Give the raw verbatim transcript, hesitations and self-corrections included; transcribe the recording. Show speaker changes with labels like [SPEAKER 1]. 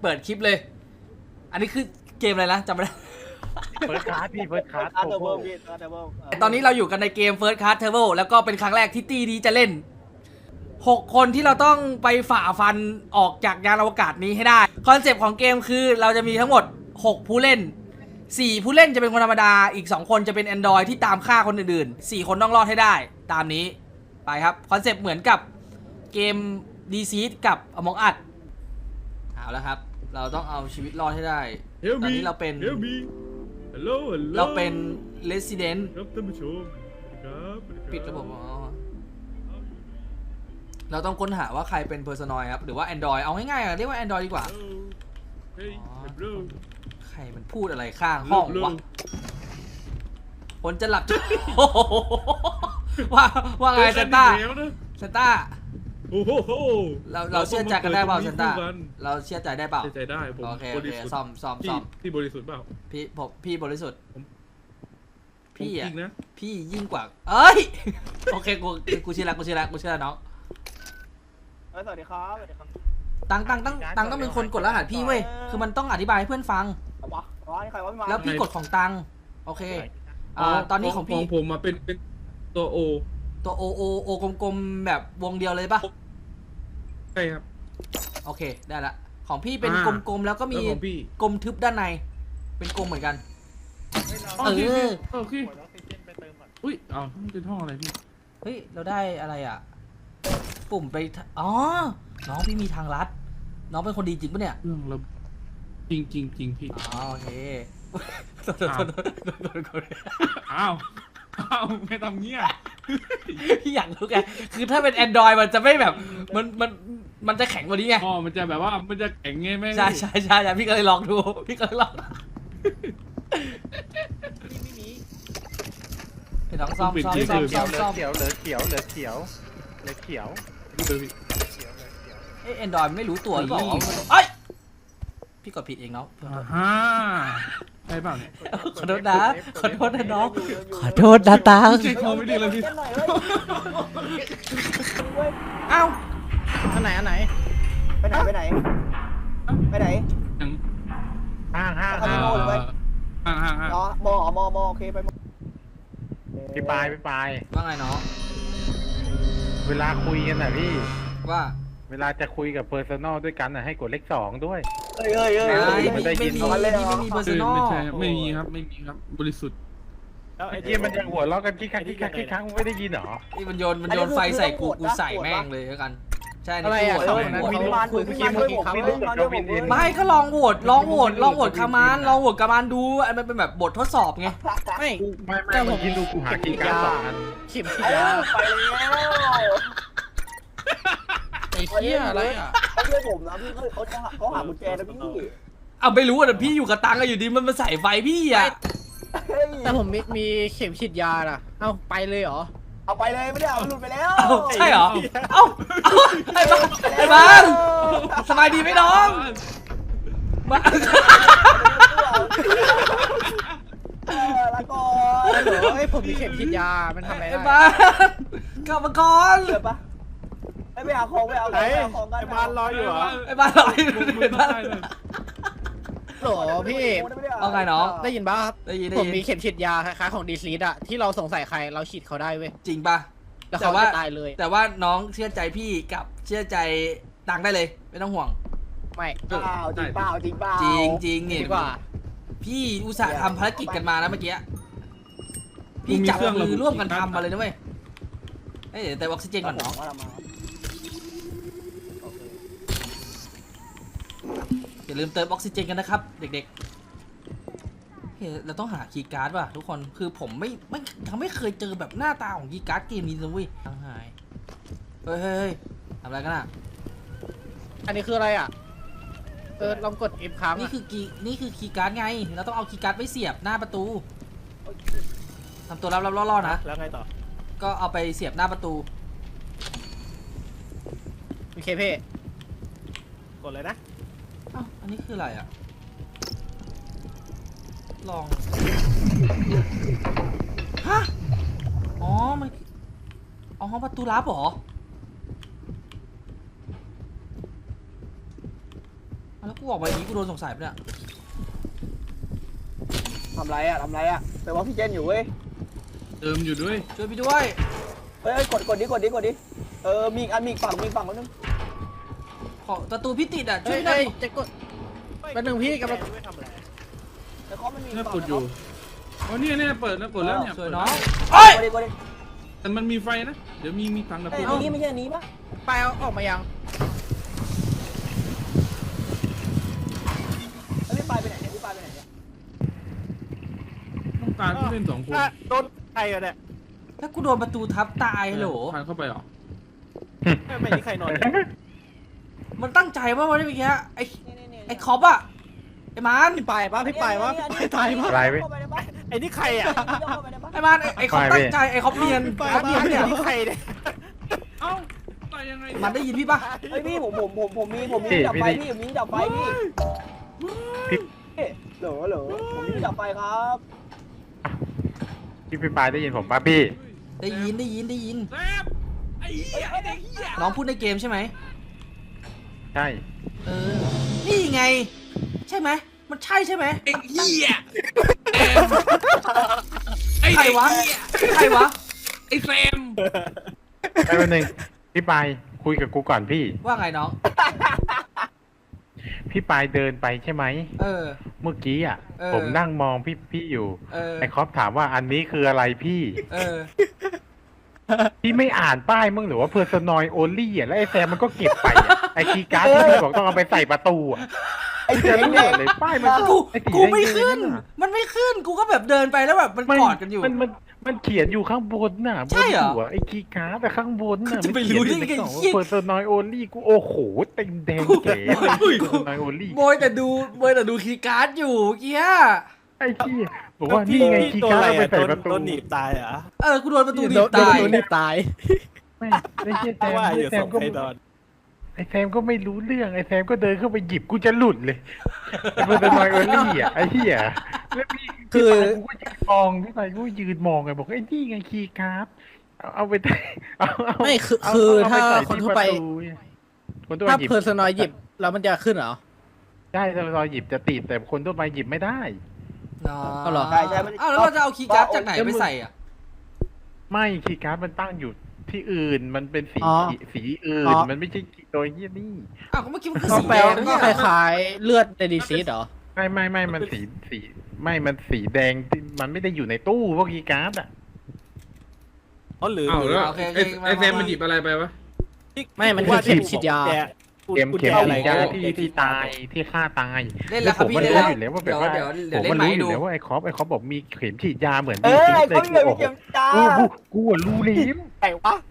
[SPEAKER 1] เปิดคลิปเลย อันนี้คือเกมอะไรนะจำไม่ได้
[SPEAKER 2] เฟิร์สคลาสพี่เฟิร์สคลาส
[SPEAKER 3] อาร์เทอร์เบิลพี่อาร์เทอร์เบิล
[SPEAKER 1] ตอนนี้เราอยู่กันในเกม First Class Travel แล้วก็เป็นครั้งแรกที่ตีดีจะเล่นหกคนที่เราต้องไปฝ่าฟันออกจากยานอวกาศนี้ให้ได้คอนเซปต์ของเกมคือเราจะมีทั้งหมดหกผู้เล่นสี่ผู้เล่นจะเป็นคนธรรมดาอีกสองคนจะเป็น Android ที่ตามฆ่าคนอื่นๆสี่คนต้องรอดให้ได้ตามนี้ไปครับคอนเซปต์เหมือนกับเกม ดี ซี กับ Among Us เอาแล้วครับเราต้องเอาชีวิตรอดให้ได้ตอนนี้เราเป็น
[SPEAKER 4] Help me Hello Hello
[SPEAKER 1] เราเป็น Resident
[SPEAKER 4] ครับท่านผู้ชมครับ
[SPEAKER 1] ปิดระบบอ๋อเราต้องค้นหาว่าใครเป็น Personoid ครับหรือว่า Android เอาง่ายๆเรียกว่า Android ดีกว่า
[SPEAKER 4] เฮ้ย bro
[SPEAKER 1] ใครมันพูดอะไรข้างห้องวะคนจะหลับ ว่าว่าไงเซนต้าเซนต้า
[SPEAKER 4] โอ้โห
[SPEAKER 1] เราเราเชื่อใจกันได้เปล่าเซนต้าเราเชื่อใจได้เปล่า
[SPEAKER 4] เชื่อใจได้ผม
[SPEAKER 1] โอเค
[SPEAKER 4] บ
[SPEAKER 1] โอเค
[SPEAKER 4] ริสุทธิ์
[SPEAKER 1] ซ่อมซ่อมซ่อม
[SPEAKER 4] พี่บริสุทธิ์เปล่า
[SPEAKER 1] พี่ผมพี่บริสุทธิ์พี่อ่ะ
[SPEAKER 4] จริงนะ
[SPEAKER 1] พี่ยิ่งกว่าเอ้ยโอเคกูกูเชื่อแล้วกูเชื่อแล้วกูเชื่อแล้วน้อง
[SPEAKER 3] เออสวัสดีครับสวัสดีครับ
[SPEAKER 1] ตังตังตังตังต้องเป็นคนกดรหัสพี่เว้ยคือมันต้องอธิบายให้เพื่อนฟัง
[SPEAKER 3] เอาวะอ๋อนี่ใครวะพี่มา
[SPEAKER 1] แล้วพี่กดของตังโอเคอ่าตอนนี้ของพี่
[SPEAKER 4] ของผมมาเป็นเป็นตัวโอ
[SPEAKER 1] ตัวโอโอโอกลมๆแบบวงเดียวเลยปะ
[SPEAKER 4] ใช่ครับ
[SPEAKER 1] โอเคได้ละของพี่เป็น
[SPEAKER 4] อ่าก
[SPEAKER 1] ลมๆแล้วก็มี
[SPEAKER 4] แล้วของพี่
[SPEAKER 1] กลมทึบด้านในเป็นกลมเหมือนกัน
[SPEAKER 4] โอเค
[SPEAKER 1] เออ
[SPEAKER 4] โอเคอุ้ยอ้าวมันเป็นห้องอะไรพี่
[SPEAKER 1] เฮ้ยเราได้อะไรอ่ะ ปุ่มไปทอ๋อน้องพี่มีทางลัดน้องเป็นคนดีจริงปะเนี่ย
[SPEAKER 4] เรื่องเราจริงจริงจริงพี่
[SPEAKER 1] อ๋อโอเค
[SPEAKER 4] อ้าว อ้าวอ้าวไม่ทำเงี้ย
[SPEAKER 1] พี่อยากรู้ไงคือถ้าเป็น Android มันจะไม่แบบมันมันมันจะแข็งกว่านี้ไง
[SPEAKER 4] อ๋อมันจะแบบว่ามันจะแข็งไงแม่
[SPEAKER 1] ใช่ใช่ใช่ใช่พี่ก็เลยลองดูพี่ก็เลยลองไปลองซ่อมซ่อมซ่อมซ่อมซ่อม
[SPEAKER 2] เขียวเหลือเขียวเหลือเขียวเหลือเขียว
[SPEAKER 4] ดูเลยพี่
[SPEAKER 1] เอ้ย Android ไม่รู้ตัวหรือเปล่าเอ้ยพี่กดผิดเองเนาะ
[SPEAKER 4] อ่าฮ่าใช่เปล่าเนี่ย
[SPEAKER 1] ขอโทษนะขอโทษนะน้องขอโทษนะตัง
[SPEAKER 4] เช็คคอไม่ดีเลยพี่
[SPEAKER 3] เล่นหน่อยเว้ยเว้ย
[SPEAKER 1] อ้าว
[SPEAKER 5] อันไหนอันไหน
[SPEAKER 3] ไปไหนไปไหนไปไหน
[SPEAKER 4] ยัง
[SPEAKER 2] ห้างห้าง
[SPEAKER 3] คาสิโนหรือไป
[SPEAKER 4] ห่างห่างห่าง
[SPEAKER 3] อ๋อมอมอมอโอเคไปมอ
[SPEAKER 2] พี่ปลายพี่ปลาย
[SPEAKER 1] ว่าไงน้อง
[SPEAKER 2] เวลาคุยกันน่ะพี่
[SPEAKER 1] ว่า
[SPEAKER 2] เวลาจะคุยกับเพอร์ซันอลด้วยกันน่ะให้กดเลขสองด้วย
[SPEAKER 3] เฮ้ยเฮ้ยเฮ้ย
[SPEAKER 1] ไม่
[SPEAKER 3] เฮ้ย
[SPEAKER 1] ไม่
[SPEAKER 2] ได้ยิ
[SPEAKER 1] ไม่
[SPEAKER 2] น
[SPEAKER 1] มี
[SPEAKER 3] เอาเลยเหรอ
[SPEAKER 1] ไม่มีเบอร์
[SPEAKER 4] คื
[SPEAKER 1] ซั
[SPEAKER 4] อน
[SPEAKER 1] อล
[SPEAKER 4] ไม่ใช่ไม่มีครับไม่มีครับบริสุทธิ์
[SPEAKER 2] แล้วไอ้ที่มันยังหัวเราะกันคิกคักคิกคักคิกคักไม่ได้ยินเหรอ
[SPEAKER 1] นี่มันโยนมันโยนไฟใส่กูกูใส่แม่งเลยแล้วกันใช่
[SPEAKER 5] อะไร
[SPEAKER 1] นี่
[SPEAKER 5] อ่ะ
[SPEAKER 1] กู
[SPEAKER 5] ส
[SPEAKER 1] โห
[SPEAKER 5] อ
[SPEAKER 1] ว
[SPEAKER 5] ง
[SPEAKER 1] ต
[SPEAKER 5] นั้น
[SPEAKER 1] โหวต
[SPEAKER 5] พี่
[SPEAKER 3] พี่
[SPEAKER 5] คุย
[SPEAKER 3] พี่
[SPEAKER 5] เมื่อกี้เมื่อกี้เขา
[SPEAKER 3] พี่พี่พี่พี่พี่
[SPEAKER 1] ไม่ก็ลองโหวตลองโหวตลองโหวตคามานลองโหวตคามานดูอันมันเป็นแบบบททดสอบไง
[SPEAKER 5] ไม่
[SPEAKER 2] ไม่ไม่เมื่อกี้ดูกูหาคีย์การ์ดสองอัน
[SPEAKER 5] เข็มฉี
[SPEAKER 3] ไป
[SPEAKER 5] ด
[SPEAKER 3] แล้
[SPEAKER 5] ยาว
[SPEAKER 3] ไปแล้ว
[SPEAKER 5] ไอ้เหี้ยอะไรอ่ะ
[SPEAKER 3] เขาช่วยผมนะพี่เขาเขาจะเขาหากุญแจนะพี่
[SPEAKER 1] เอาไม่รู้อ่ะแต่พี่อยู่กับตังค์อะอยู่ดีมันมาใส่ไฟพี่อ่ะ
[SPEAKER 3] เฮ้ย
[SPEAKER 5] แต่ผมมีมีเข็มฉีดยาอ่ะเอ้าไปเลยเหรอ
[SPEAKER 3] เอาไปเลยไม่ได้เอาหลุดไปแล้ว
[SPEAKER 1] เอ้าใช่เหรอเอ้าเอ้าไอ้บ้านไอ้บ้านสบายดีไหมน้องบ้าน
[SPEAKER 3] เออแล้วก็
[SPEAKER 5] ฮัลโหลเฮ้ยผมมีเข็มฉีดยา มันทำอะไร
[SPEAKER 1] ไอ้
[SPEAKER 5] ได้
[SPEAKER 1] บ้านกลับมาก่อน
[SPEAKER 3] เกิดปะไอ้ไปหาของไปเอาของไปเอาของกัน
[SPEAKER 2] ไอ้บ้านรออยู่เหรอ
[SPEAKER 1] ไอ้บ้านลอยไอ้บ้าน
[SPEAKER 5] โหลพี่
[SPEAKER 1] เอาไงน้อง
[SPEAKER 5] ได้ยินป่ะครับ
[SPEAKER 1] ได้ยินได้
[SPEAKER 5] ผม
[SPEAKER 1] ยิน
[SPEAKER 5] มีเข็มฉีดยาคล้ายๆของดีซีดอะที่เราสงสัยใครเราฉีดเขาได้เว้ย
[SPEAKER 1] จริงปะ
[SPEAKER 5] แล้ว
[SPEAKER 1] แต่
[SPEAKER 5] เขา
[SPEAKER 1] ว่า
[SPEAKER 5] จะตายเลย
[SPEAKER 1] แต่ว่าน้องเชื่อใจพี่กับเชื่อใจตังค์ได้เลยไม่ต้องห่วง
[SPEAKER 5] ไม่
[SPEAKER 3] เปล่าจริงเปล่าจริงเปล่า
[SPEAKER 1] จริงจริงนี่
[SPEAKER 5] ดีกว่า
[SPEAKER 1] พี่อุตส่าห์ทำภารกิจกันมานะเมื่อกี้พี่จับมือร่วมกันทำมาเลยนะเว้ยเอ้ยแต่ออกซิเจนก่อนน้อง
[SPEAKER 3] ว่าเรามาโอเค
[SPEAKER 1] อย่าลืมเติมออกซิเจนกันนะครับ เด็กๆเฮ้ยเราต้องหาคีย์การ์ดว่ะทุกคนคือผมไม่ไม่ยังไม่เคยเจอแบบหน้าตาของคีย์การ์ดเกมนี้เลยเว้ยทางหายเฮ้ยเฮ้ยเฮ้ยทำอะไรกันอ่ะ
[SPEAKER 5] อันนี้คืออะไรอ่ะเออลองกด F ค้าง
[SPEAKER 1] นี่
[SPEAKER 5] อะ
[SPEAKER 1] คือกีนี่คือคีย์การ์ดไงเราต้องเอาคีย์การ์ดไปเสียบหน้าประตูทำตัวรับรับล่อๆนะ
[SPEAKER 3] แล้วไงต่อ
[SPEAKER 1] ก็เอาไปเสียบหน้าประตู
[SPEAKER 5] โอเคเพ่
[SPEAKER 3] กดเลยนะ
[SPEAKER 1] อ้าวอันนี้คืออะไรอ่ะลองฮะอ๋อมันอ๋อประตูลับเหรอแล้วกูออกมาอย่างนี้กูโดนสงสัยปะเนี่ย
[SPEAKER 3] ทำไรอ่ะทำไรอ่ะแต่ว่าพี่เจนอยู่เว้ย
[SPEAKER 4] เติมอยู่ด้วย
[SPEAKER 1] ช่วยพี่ด้วย
[SPEAKER 3] เฮ้ยกดกดดิกดดิกดดิเออมีอีกอันมีอีกฝั่งมีอีกฝั่งคนนึง
[SPEAKER 1] ขอประตูพี่ติดอ่ะช่
[SPEAKER 5] เฮ้
[SPEAKER 1] วย
[SPEAKER 5] ย
[SPEAKER 1] หน่อ
[SPEAKER 5] เฮ้
[SPEAKER 1] ย
[SPEAKER 5] ยจะกดเป็นหนึ่งพี่กำลัง
[SPEAKER 3] แต่เขามันมี
[SPEAKER 4] เนี่ยกดอยู่อ๋อเนี่ยเนี่ยเปิดแล้วกดแล้วเนี่ย
[SPEAKER 1] สวยน้อง
[SPEAKER 3] เฮ้ยกดดิกดดิ
[SPEAKER 4] แต่มันมีไฟนะ เดี๋ยวมีมีถังดับเพ
[SPEAKER 3] เอ้
[SPEAKER 4] ลิ
[SPEAKER 3] ย
[SPEAKER 4] ง
[SPEAKER 3] อันนี้ไม่ใช่อันนี้ปะ
[SPEAKER 5] ไปเอาออกมายัง
[SPEAKER 3] แล้วพี่ปายไปไหนเนี่ยพี่ปายไปไหนเนี่ย
[SPEAKER 4] ต้องการผู้เล่นสองคน
[SPEAKER 3] โดนใครอะเนี่ย
[SPEAKER 1] ถ้ากูโดนประตูทับตายเหรอ
[SPEAKER 4] ผ่านเข้าไปเหรอ
[SPEAKER 3] ไม่มีใครนอน
[SPEAKER 1] มันตั้งใจป่ะวะเนี่ยเมื่อกี้ไอ้ไอ้คอปอะไอ้มาน
[SPEAKER 5] พี่ไปปะพี่ไปปะพี่ตายปะ
[SPEAKER 2] อะไรเว้ย
[SPEAKER 5] ไอ้นี่ใครอ่ะ
[SPEAKER 1] ไอ้มานไอ้ไอ้คอป
[SPEAKER 2] ไป
[SPEAKER 1] ตั้งใจไอ้คอปเนียน
[SPEAKER 5] ไป
[SPEAKER 1] คอปเนียนเนี่ย
[SPEAKER 5] นี่ใครเนี่ย
[SPEAKER 4] เอ้าตายยังไง
[SPEAKER 1] มันได้ยินพี่ปะ
[SPEAKER 3] เฮ้ยพี่ผมผมผมผมมีผมมี
[SPEAKER 2] พี่
[SPEAKER 3] ดับไฟ
[SPEAKER 2] พี่
[SPEAKER 3] พี่ผมมีดับไฟพี่
[SPEAKER 2] พี่
[SPEAKER 3] เหลอเหลอผมมีดับไฟครับ
[SPEAKER 2] พี่พี่ปายได้ยินผมป่ะพี่
[SPEAKER 1] ได้ยินได้ยินได้ยิน
[SPEAKER 4] แซมไอ้เหี้ยไอ้เด็กเหี้ย
[SPEAKER 1] น้องพูดในเกมใช่ไหม
[SPEAKER 2] ใช่
[SPEAKER 1] เออนี่ไง ใช่ไหมมันใช่ใช่ไหม
[SPEAKER 4] ไอ้เหี้ยไอ้
[SPEAKER 1] ใคร
[SPEAKER 4] เด็ก
[SPEAKER 1] วะ
[SPEAKER 4] เหี้ย
[SPEAKER 1] ใครวะ
[SPEAKER 4] ไอ้แซม
[SPEAKER 2] แป๊บนึงพี่ปายคุยกับกูก่อนพี่
[SPEAKER 1] ว่าไงน้อง
[SPEAKER 2] พี่ปายเดินไปใช่ไหม
[SPEAKER 1] เออ
[SPEAKER 2] เมื่อกี้อ่ะ
[SPEAKER 1] เออ
[SPEAKER 2] ผมนั่งมองพี่พี่อยู่
[SPEAKER 1] เออ
[SPEAKER 2] ไอ้คอปถามว่าอันนี้คืออะไรพี่
[SPEAKER 1] เออ
[SPEAKER 2] พี่ไม่อ่านป้ายมึงหรือว่า personal only อ่ะแล้วไอ้แซมมันก็เก็บไปอะไอ้คีย์การ์ดที่พี่บอกต้องเอาไปใส่ประตูอ่ะ
[SPEAKER 3] ไอ้
[SPEAKER 2] เจ
[SPEAKER 3] เจ๋
[SPEAKER 2] อง รู้ห
[SPEAKER 3] เนี่ย
[SPEAKER 2] มดเลยป้ายมัน
[SPEAKER 1] กู
[SPEAKER 2] ไอ้สี
[SPEAKER 1] กูไม่
[SPEAKER 2] แดงๆ
[SPEAKER 1] ขึ้น
[SPEAKER 2] น่ะ
[SPEAKER 1] มันไม่ขึ้น กูก็แบบเดินไปแล้วแบบมันกอดกันอยู่
[SPEAKER 2] มันมันมันเขียนอยู่ข้างบนน่ะบ
[SPEAKER 1] ใช่
[SPEAKER 2] น
[SPEAKER 1] เหรอ
[SPEAKER 2] หัวไอ้คีย์การ์ดแต่ข้างบนน่ะ
[SPEAKER 1] จะไปรู้ได้ไง
[SPEAKER 2] เขียนอยู่ในกล่อง
[SPEAKER 1] เหี้ย
[SPEAKER 2] ว่า personal only กูโอ้โหเต็มแดงเก๋เลย personal only
[SPEAKER 1] โบยแต่ดูโบยแต่ดูคีย์การ์ดอยู่เมื่อกี้อะ
[SPEAKER 2] ไอ้ที่บอกว่านี่ไงคีย์การ์ดเอาไปใส่ประตู
[SPEAKER 3] โดนหนีบตายเหรอ
[SPEAKER 1] เออ กูโดนประตูหนี
[SPEAKER 5] โด
[SPEAKER 1] บ
[SPEAKER 5] นโดน
[SPEAKER 1] ตาย
[SPEAKER 5] โดนหนีบตาย
[SPEAKER 2] ไม่ไม่ใช่แซม
[SPEAKER 3] ว่าอยู่
[SPEAKER 2] แซ
[SPEAKER 3] ส
[SPEAKER 2] ม
[SPEAKER 3] อง
[SPEAKER 2] ก็
[SPEAKER 3] ใครนอน
[SPEAKER 2] ไอ้แซมก็ไม่รู้เรื่องไอ้แซมก็เดินเข้าไปหยิบกูจะหลุดเลยไอ้ personal only อ่ะไอ้เหี้ยแล้วพี่
[SPEAKER 5] คือ
[SPEAKER 2] กูก็ยืนมองพี่ไปกูก็ยืนมองไงบอกไอ้นี่ไงคีย์การ์ดเอาเอาไปเอาเอา
[SPEAKER 5] ไม่คือ
[SPEAKER 2] เา
[SPEAKER 5] คือ
[SPEAKER 2] เไป
[SPEAKER 5] ถ้า
[SPEAKER 2] ใส่
[SPEAKER 5] คน
[SPEAKER 2] ที่
[SPEAKER 5] ทั่วไป
[SPEAKER 2] ประตูเนี่ยคนทั่วไป
[SPEAKER 5] ถ้า
[SPEAKER 2] หยิบ
[SPEAKER 5] เพอร์ซนอยหยิบแล้วมันจะขึ้นเหรอ
[SPEAKER 2] ได้ถ้าเราหยิบจะติดแต่คนทั่วไปหยิบไม่ได้
[SPEAKER 1] อ๋อ
[SPEAKER 5] เอาเหรอ
[SPEAKER 3] ใช่ใช่มัน
[SPEAKER 1] อ้าวแล้วเราจะเอาคีย์การ์ดจากไหนไปใส่อ่ะ
[SPEAKER 2] ไม่คีย์การ์ดมันตั้งอยู่ที่อื่นมันเป็นสี
[SPEAKER 5] อ๋อ
[SPEAKER 2] สีอื่
[SPEAKER 5] อ๋
[SPEAKER 2] น
[SPEAKER 5] อ
[SPEAKER 2] มันไม่ใช่โดยที่นี่
[SPEAKER 1] อ้าวก็เมื่อกี้มันคือ
[SPEAKER 5] ก็
[SPEAKER 1] สี
[SPEAKER 5] แปล
[SPEAKER 1] แดง
[SPEAKER 5] ว่า
[SPEAKER 1] ไม่
[SPEAKER 5] ก็
[SPEAKER 1] ใช่
[SPEAKER 5] ค
[SPEAKER 1] เหรอ
[SPEAKER 5] ล้ายๆเลือดในดีซีดเหรอ
[SPEAKER 2] ไม่ไม่ไม่มันสีสีไม่มันสีแดงที่มันไม่ได้อยู่ในตู้พวกคีย์การ์ดอ่ะ
[SPEAKER 3] อ๋อหรือ
[SPEAKER 4] เอ้าแล้ว
[SPEAKER 1] โอเคโอเค
[SPEAKER 4] ไอ้ไอ้แซม
[SPEAKER 1] า
[SPEAKER 4] มันหยิบอะไรไปวะ
[SPEAKER 5] ไม่มันคือเข็มฉีดยา
[SPEAKER 2] เข็มเข็ม
[SPEAKER 3] อะไร
[SPEAKER 2] ฉีดยาที่ที่ตายที่ฆ่าตาย
[SPEAKER 1] เล่นแล้วครับ
[SPEAKER 2] ผม
[SPEAKER 1] พี่
[SPEAKER 2] มัน
[SPEAKER 1] เล่น
[SPEAKER 2] รู้
[SPEAKER 1] แล้ว
[SPEAKER 2] อยู่แล้วว่าแบบว่า
[SPEAKER 1] เดี๋ยวเดี๋
[SPEAKER 2] ผ
[SPEAKER 1] ยว
[SPEAKER 2] ม
[SPEAKER 1] เล่น
[SPEAKER 2] มัน
[SPEAKER 1] ใหม่
[SPEAKER 2] รู้อ
[SPEAKER 1] ให้
[SPEAKER 2] ยู่
[SPEAKER 1] ดู
[SPEAKER 2] แล้วว่าไอ้คอปไอ้คอปบอกมีเข็มฉีดยาเหมือน
[SPEAKER 3] เอ
[SPEAKER 2] ดี
[SPEAKER 3] อไอ้
[SPEAKER 2] เล
[SPEAKER 3] เขา
[SPEAKER 2] ย
[SPEAKER 3] มี
[SPEAKER 2] กู
[SPEAKER 3] เข็ม
[SPEAKER 2] โอ้โห
[SPEAKER 3] จ้า
[SPEAKER 2] กูกูอะรู้ลิ้ม
[SPEAKER 3] ไหนวะ